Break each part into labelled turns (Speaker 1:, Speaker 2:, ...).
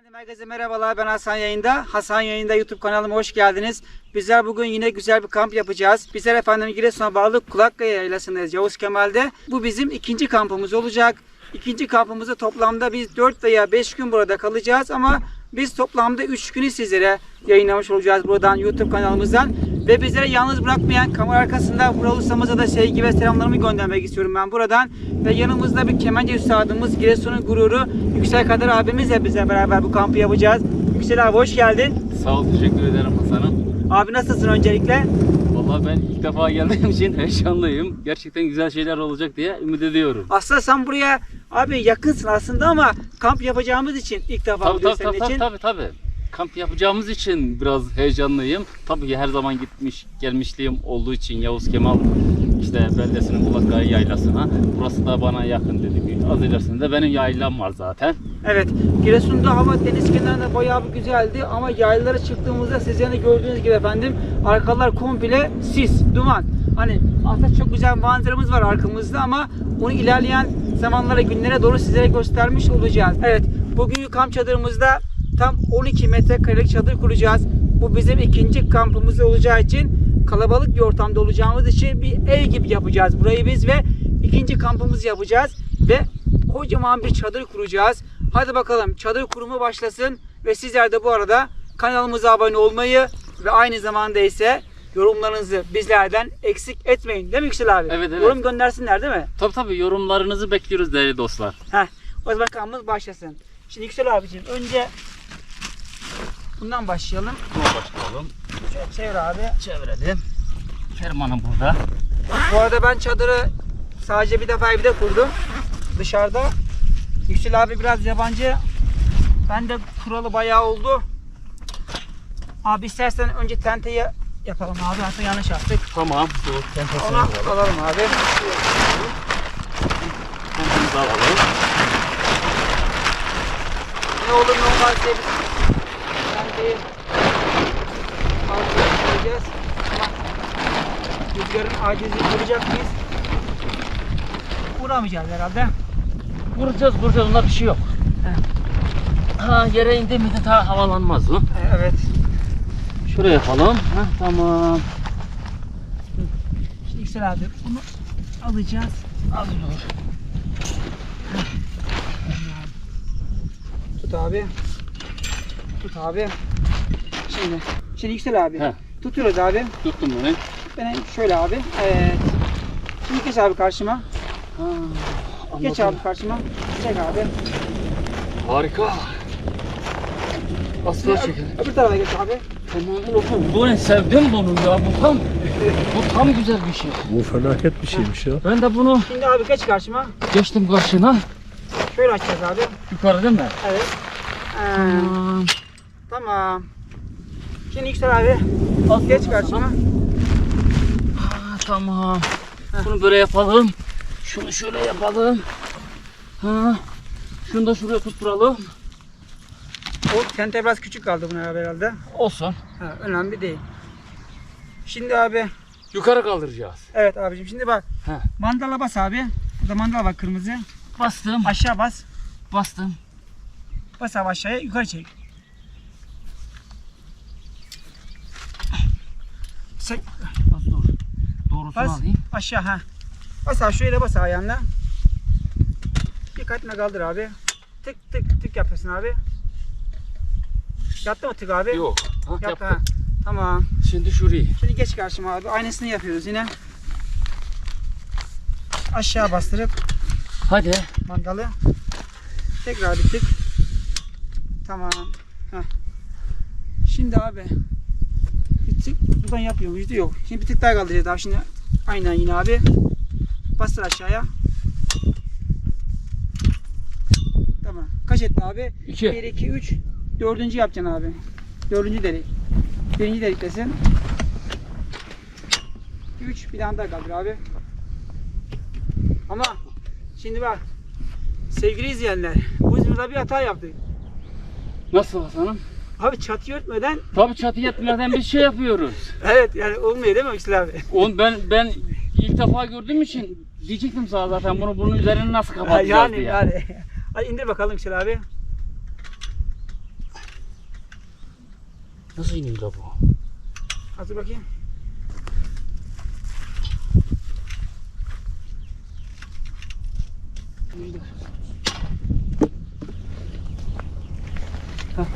Speaker 1: Herkese merhabalar, ben Hasan Yayında. Hasan Yayında YouTube kanalıma hoş geldiniz. Bizler bugün yine güzel bir kamp yapacağız. Bizler efendim Giresun'a bağlı Kulakkaya Yaylası'ndayız, Yavuz Kemal'de. Bu bizim ikinci kampımız olacak. İkinci kampımızda toplamda biz 4 veya 5 gün burada kalacağız ama biz toplamda 3 günü sizlere yayınlamış olacağız buradan YouTube kanalımızdan. Ve bizlere yalnız bırakmayan kamera arkasında Vural ustamıza da sevgi ve selamlarımı göndermek istiyorum ben buradan. Ve yanımızda bir kemence üstadımız, Giresun'un gururu Yüksel Kadir abimizle bize beraber bu kampı yapacağız. Yüksel abi hoş geldin.
Speaker 2: Sağ ol, teşekkür ederim Hasan'ım.
Speaker 1: Abi nasılsın öncelikle?
Speaker 2: Vallahi ben ilk defa geldiğim için heyecanlıyım. Gerçekten güzel şeyler olacak diye ümit ediyorum.
Speaker 1: Aslında sen buraya abi yakınsın aslında ama kamp yapacağımız için ilk defa buradayız senin için.
Speaker 2: Tabii. Kamp yapacağımız için biraz heyecanlıyım. Tabii ki her zaman gitmiş gelmişliğim olduğu için Yavuz Kemal işte beldesinin Kulakkaya Yaylası'na. Burası da bana yakın dedim. Az ilerisinde benim yaylam var zaten.
Speaker 1: Evet, Giresun'da hava deniz kenarında bayağı bir güzeldi ama yaylalara çıktığımızda sizin de gördüğünüz gibi efendim arkalar komple sis, duman. Hani aslında çok güzel manzaramız var arkamızda ama onu ilerleyen zamanlara, günlere doğru sizlere göstermiş olacağız. Evet, bugünkü kamp çadırımızda tam 12 metrekarelik çadır kuracağız. Bu bizim ikinci kampımız olacağı için kalabalık bir ortamda olacağımız için bir ev gibi yapacağız burayı biz ve ikinci kampımızı yapacağız ve kocaman bir çadır kuracağız. Hadi bakalım çadır kurumu başlasın ve sizler de bu arada kanalımıza abone olmayı ve aynı zamanda ise yorumlarınızı bizlerden eksik etmeyin. Değil mi Yüksel abi?
Speaker 2: Evet.
Speaker 1: Yorum göndersinler değil mi?
Speaker 2: Tabii yorumlarınızı bekliyoruz değerli dostlar.
Speaker 1: O zaman kampımız başlasın. Şimdi Yüksel abiciğim önce bundan başlayalım.
Speaker 2: Başlayalım.
Speaker 1: Şöyle çevir abi.
Speaker 2: Çevirelim. Fermanım burada.
Speaker 1: Bu arada ben çadırı sadece bir defa evde kurdum. Dışarıda. Yüksel abi biraz yabancı. Ben de kuralı bayağı oldu. Abi istersen önce tenteyi yapalım abi. Aslında yanlış yaptık.
Speaker 2: Tamam. Bu tentesini
Speaker 1: Onu alalım abi.
Speaker 2: tentemizi alalım.
Speaker 1: Ne olur ne olmaz diye biz tenteyi altına koyacağız. Ama rüzgarın acizliğini vuracak mıyız? Vuramayacağız herhalde.
Speaker 2: Vuracağız. Bunda bir şey yok. Yere indi mi de daha havalanmaz mı?
Speaker 1: Evet.
Speaker 2: Şuraya yapalım. Tamam.
Speaker 1: Şimdi Yüksel abi bunu alacağız.
Speaker 2: Az dur.
Speaker 1: Tut abi. Tut abi. Şimdi Yüksel abi. Tutuyoruz abi.
Speaker 2: Tuttum bunu.
Speaker 1: Ben şöyle abi. Evet. Şimdi geç abi karşıma. Geç abi karşıma. Çek abi.
Speaker 2: Harika. Asla çekelim.
Speaker 1: Öbür tarafa geç abi.
Speaker 2: Tamam. Bu ne, sevdim bunu ya. Bu tam güzel bir şey.
Speaker 3: Bu felaket bir şeymiş ya.
Speaker 2: Ben de bunu
Speaker 1: Şimdi abi geç karşıma.
Speaker 2: geçtim karşına.
Speaker 1: Şöyle açacağız abi.
Speaker 2: Yukarı değil mi?
Speaker 1: Evet. Tamam. Şimdi Yüksel abi. Geç karşıma.
Speaker 2: Tamam. Bunu böyle yapalım. Şunu şöyle yapalım. Şunu da şuraya tutturalım.
Speaker 1: O tente biraz küçük kaldı buna herhalde.
Speaker 2: Olsun.
Speaker 1: Önemli değil. Şimdi abi.
Speaker 2: Yukarı kaldıracağız.
Speaker 1: Evet abicim şimdi bak. Mandala bas abi. Burada mandala bak kırmızı.
Speaker 2: Bastım.
Speaker 1: Aşağı bas.
Speaker 2: Bastım.
Speaker 1: Bas abi aşağıya yukarı çek. Çek.
Speaker 2: Az dur. Doğrusunu
Speaker 1: Bas
Speaker 2: alayım.
Speaker 1: aşağı Bas abi şöyle bas ayağınla. Dikkatine kaldır abi. Tık tık tık yapıyorsun abi. Yattı mı tık abi?
Speaker 2: Yok.
Speaker 1: Yattı
Speaker 2: Yaptım.
Speaker 1: Tamam.
Speaker 2: Şimdi şurayı.
Speaker 1: Şimdi geç karşıma abi. Aynısını yapıyoruz yine. Aşağı bastırıp
Speaker 2: Hadi.
Speaker 1: mandalı. Tekrar bir tık. Tamam. Şimdi abi bir tık buradan yapıyor muyuz? Yok. Şimdi bir tık daha kaldıracağız abi. Şimdi aynen yine abi. Bastır aşağıya. Tamam. Kaç etti abi?
Speaker 2: 2.
Speaker 1: 1, 2, 3. Dördüncü yapacaksın abi. Dördüncü delik. Birinci deliktesin. 3 bir tane daha kaldır abi. Ama şimdi bak sevgili izleyenler, biz burada bir hata yaptık.
Speaker 2: Nasıl Hasan'ım?
Speaker 1: Abi çatıyı örtmeden
Speaker 2: Tabii çatı yetmeden bir şey yapıyoruz.
Speaker 1: evet yani olmuyor değil mi Yüksel abi?
Speaker 2: Ben ilk defa gördüğüm için diyecektim sana zaten bunun üzerini nasıl kapatacağız diye.
Speaker 1: Yani. Hadi indir bakalım Yüksel abi.
Speaker 2: Nasıl iniyor la bu?
Speaker 1: Hazır bakayım. İndir. Hah.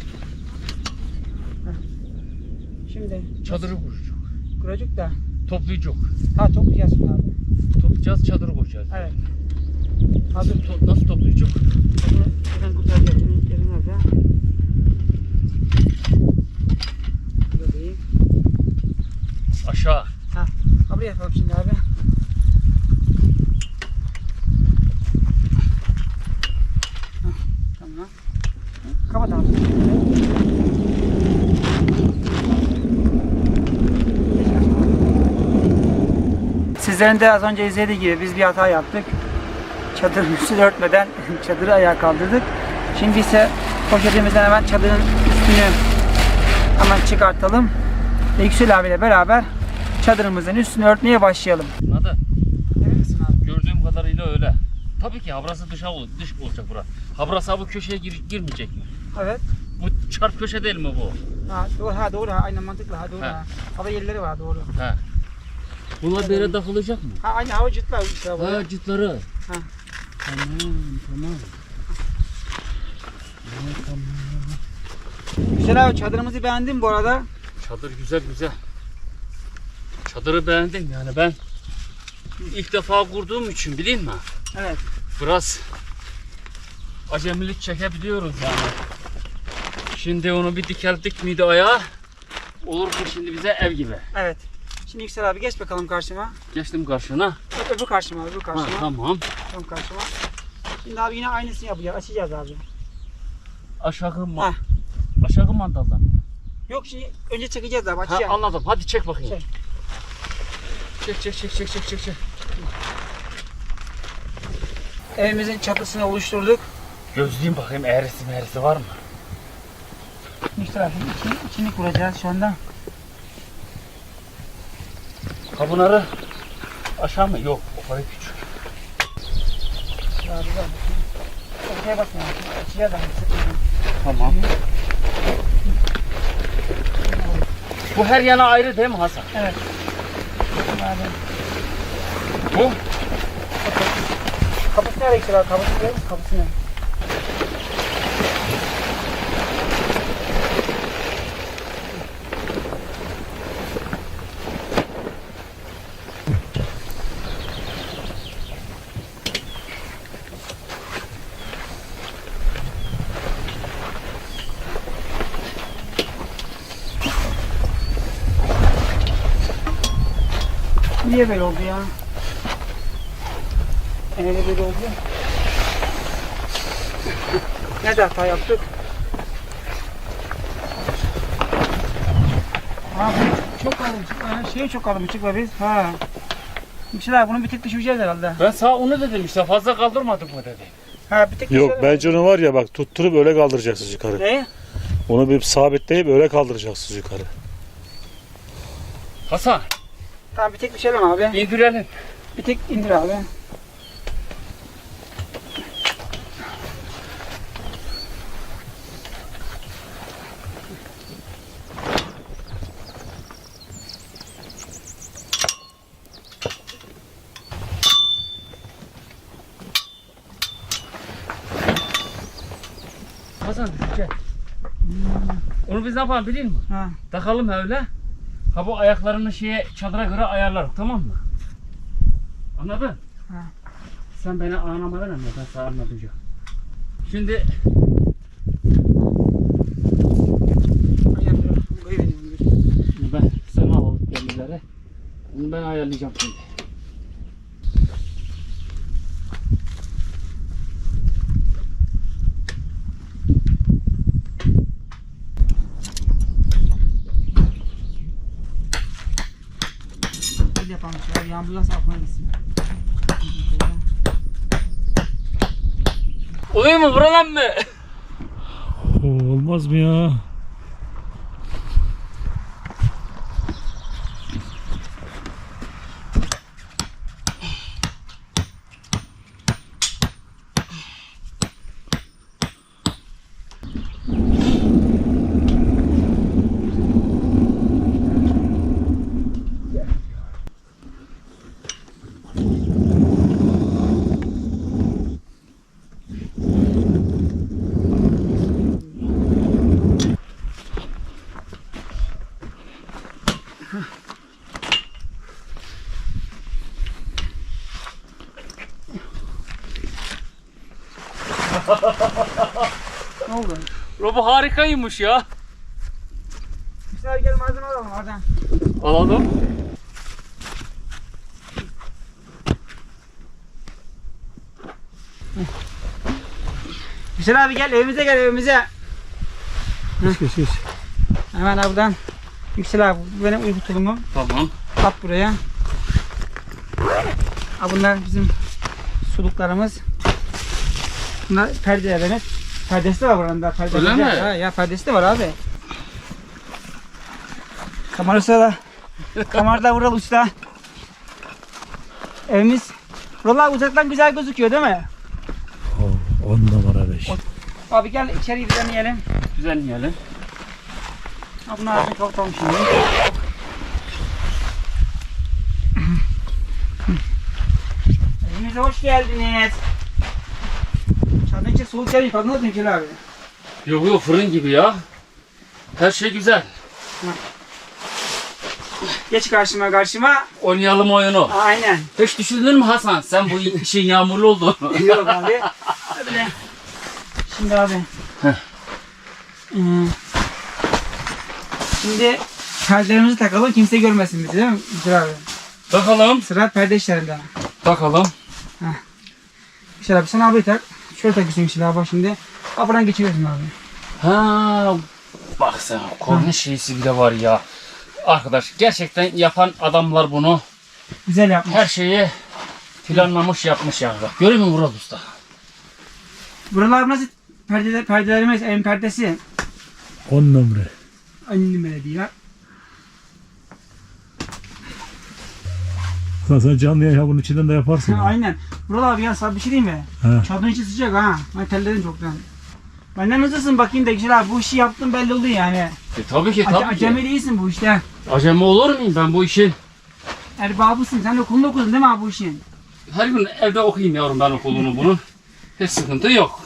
Speaker 1: Hah. Şimdi
Speaker 2: Çadırı kuracak.
Speaker 1: kuracık da.
Speaker 2: Toplayacak.
Speaker 1: Ha toplayacağız şimdi abi.
Speaker 2: Toplayacağız, çadırı kuracağız.
Speaker 1: Evet. Hazır.
Speaker 2: Nasıl toplayacak?
Speaker 1: Buradan kurtaracağız. Yerin nerede? Burada değil.
Speaker 2: Aşağı.
Speaker 1: Ha. Buraya yapalım şimdi abi. Hah, tamam. Kapat abi. Sizlerin de az önce izlediği gibi biz bir hata yaptık. Çadırın üstünü örtmeden çadırı ayağa kaldırdık. Şimdi ise poşetimizden hemen çadırın üstünü hemen çıkartalım. Ve Yüksel abiyle beraber çadırımızın üstünü örtmeye başlayalım.
Speaker 2: Anladın?
Speaker 1: Evet misin abi?
Speaker 2: Gördüğüm kadarıyla öyle. Tabii ki habrası dış olacak bura. Habrası bu köşeye girmeyecek mi?
Speaker 1: Evet.
Speaker 2: Bu çarp köşe değil mi bu?
Speaker 1: Ha doğru ha aynen mantıklı ha doğru
Speaker 2: Ha.
Speaker 1: ha. Hava yerleri var doğru.
Speaker 2: He. Bunlar böyle takılacak mı?
Speaker 1: Ha aynı hava cıtlar işte bu.
Speaker 2: Ha, cıtları.
Speaker 1: Ha.
Speaker 2: Tamam.
Speaker 1: Güzel abi çadırımızı beğendin bu arada.
Speaker 2: Çadır güzel. Çadırı beğendim yani ben ilk defa kurduğum için bileyim mi?
Speaker 1: Evet.
Speaker 2: Biraz acemilik çekebiliyoruz yani. Şimdi onu bir dikeldik miydi ayağa? Olur mu şimdi bize ev gibi?
Speaker 1: Evet. Şimdi Yüksel abi geç bakalım karşıma.
Speaker 2: Geçtim karşına.
Speaker 1: Öbür karşıma öbür
Speaker 2: Ha,
Speaker 1: karşıma.
Speaker 2: tamam.
Speaker 1: Tam karşıma. Şimdi abi yine aynısını yapacağız. Açacağız abi.
Speaker 2: Aşağı aşağı mandaldan.
Speaker 1: Yok şimdi önce çekeceğiz abi
Speaker 2: Ha,
Speaker 1: açacağız.
Speaker 2: anladım. Hadi çek bakayım.
Speaker 1: Çek.
Speaker 2: Çek.
Speaker 1: Evimizin çatısını oluşturduk.
Speaker 2: Gözleyeyim bakayım eğrisi var mı?
Speaker 1: Yüksel abi içini kuracağız şu anda.
Speaker 2: Kabunarı aşağı mı? Yok. O kadar küçük.
Speaker 1: Abi bak. Ortaya bakma. Açacağız abi.
Speaker 2: Tamam. Bu her yana ayrı değil mi Hasan?
Speaker 1: Evet. Abi.
Speaker 2: Bu?
Speaker 1: Kapısı nereye Yüksel abi? Kapısı nereye? Kapısı nereye? Niye böyle oldu ya? Öyle böyle oldu. Nerede hata yaptık? Ha bu çok kalınmışık. Çok kalınmışık be biz. Ha. Yüksel abi bunu bir tek düşüreceğiz herhalde.
Speaker 2: Ben sana onu dedim işte fazla kaldırmadık mı dedim.
Speaker 1: Ha bir tek
Speaker 3: Yok
Speaker 1: düşürelim.
Speaker 3: bence onu var ya bak tutturup öyle kaldıracaksınız yukarı.
Speaker 1: Ne?
Speaker 3: Onu bir sabitleyip öyle kaldıracaksınız yukarı.
Speaker 2: Hasan
Speaker 1: Tamam bir tek düşelim abi.
Speaker 2: indirelim.
Speaker 1: Bir tek indir abi.
Speaker 2: Hasan gel. Onu biz ne yapalım biliyor musun?
Speaker 1: Ha.
Speaker 2: Takalım öyle. Ha bu ayaklarını çadıra göre ayarlarız tamam mı? Anladın?
Speaker 1: Ha.
Speaker 2: Sen beni anlama verme ben sana anlatacağım. Şimdi
Speaker 1: Aynen dur. Koyuvereyim dur.
Speaker 2: ben sana alalım demirleri. Bunu ben ayarlayacağım şimdi.
Speaker 1: Böyle yapalım şöyle. Yağmur yağsa aklına gitsin.
Speaker 2: Oluyor mu buradan mı?
Speaker 3: Olmaz mı ya?
Speaker 1: Ne oldu?
Speaker 2: Robo harikaymış ya.
Speaker 1: Güzel gel malzeme alalım oradan.
Speaker 2: Alalım.
Speaker 1: Güzel abi gel evimize gel evimize.
Speaker 3: Geç.
Speaker 1: Hemen abi buradan. Yüksel abi bu benim uyku tulumum.
Speaker 2: Tamam.
Speaker 1: At buraya. Ha, bunlar bizim suluklarımız. Bunlar perdelerimiz. Perdesi de var buranın da. Perdesi
Speaker 2: Öyle mi?
Speaker 1: Ya perdesi de var abi. Kamerası da. Kamerada Vural Usta. Evimiz. Vural abi uzaktan güzel gözüküyor değil mi?
Speaker 3: 10 numara 5.
Speaker 1: Abi gel içeri düzenleyelim.
Speaker 2: Düzenleyelim.
Speaker 1: Ha, bunlar artık kapatalım şimdi. Evimize hoş geldiniz. Çadırın içi soğuk gelmiş. Farkında mısın Yüksel abi?
Speaker 2: Yok fırın gibi ya. Her şey güzel.
Speaker 1: Geç karşıma.
Speaker 2: Oynayalım oyunu.
Speaker 1: Aynen.
Speaker 2: Hiç düşündün mü Hasan? Sen bu işin yağmurlu olduğunu.
Speaker 1: Yok abi. Öyle. Şimdi abi.
Speaker 2: Heh.
Speaker 1: Şimdi perdelerimizi takalım kimse görmesin bizi değil mi Yüksel abi?
Speaker 2: Bakalım.
Speaker 1: Sıra perde işlerinde.
Speaker 2: Bakalım.
Speaker 1: Yüksel abi sen abi tak. Şöyle takıyorsun Yüksel abi şimdi. Kapıdan geçiriyorsun abi.
Speaker 2: Ha, bak sen korna şeysi bile var ya. Arkadaş gerçekten yapan adamlar bunu
Speaker 1: Güzel yapmış.
Speaker 2: her şeyi planlamış yapmış ya. Bak görüyor musun Vural Usta?
Speaker 1: Buralar nasıl perdelerimiz evin perdesi.
Speaker 3: 10 numara.
Speaker 1: Annem diyor.
Speaker 3: Sen canlı yayın bunun içinden de yaparsın.
Speaker 1: Aynen. Vural abi ya sana bir şey diyeyim mi?
Speaker 3: He.
Speaker 1: Çadırın içi sıcak ha. Ben terledim çoktan. Benden hızlısın bakayım da Yüksel abi bu işi yaptın belli oldu yani.
Speaker 2: Tabii ki tabii ki.
Speaker 1: Acemi değilsin bu işte.
Speaker 2: Acemi olur muyum ben bu işin?
Speaker 1: Erbabısın. Sen okulunu okudun değil mi abi bu işin?
Speaker 2: Her gün evde okuyayım yavrum ben okulunu bunun. Hiç sıkıntı yok.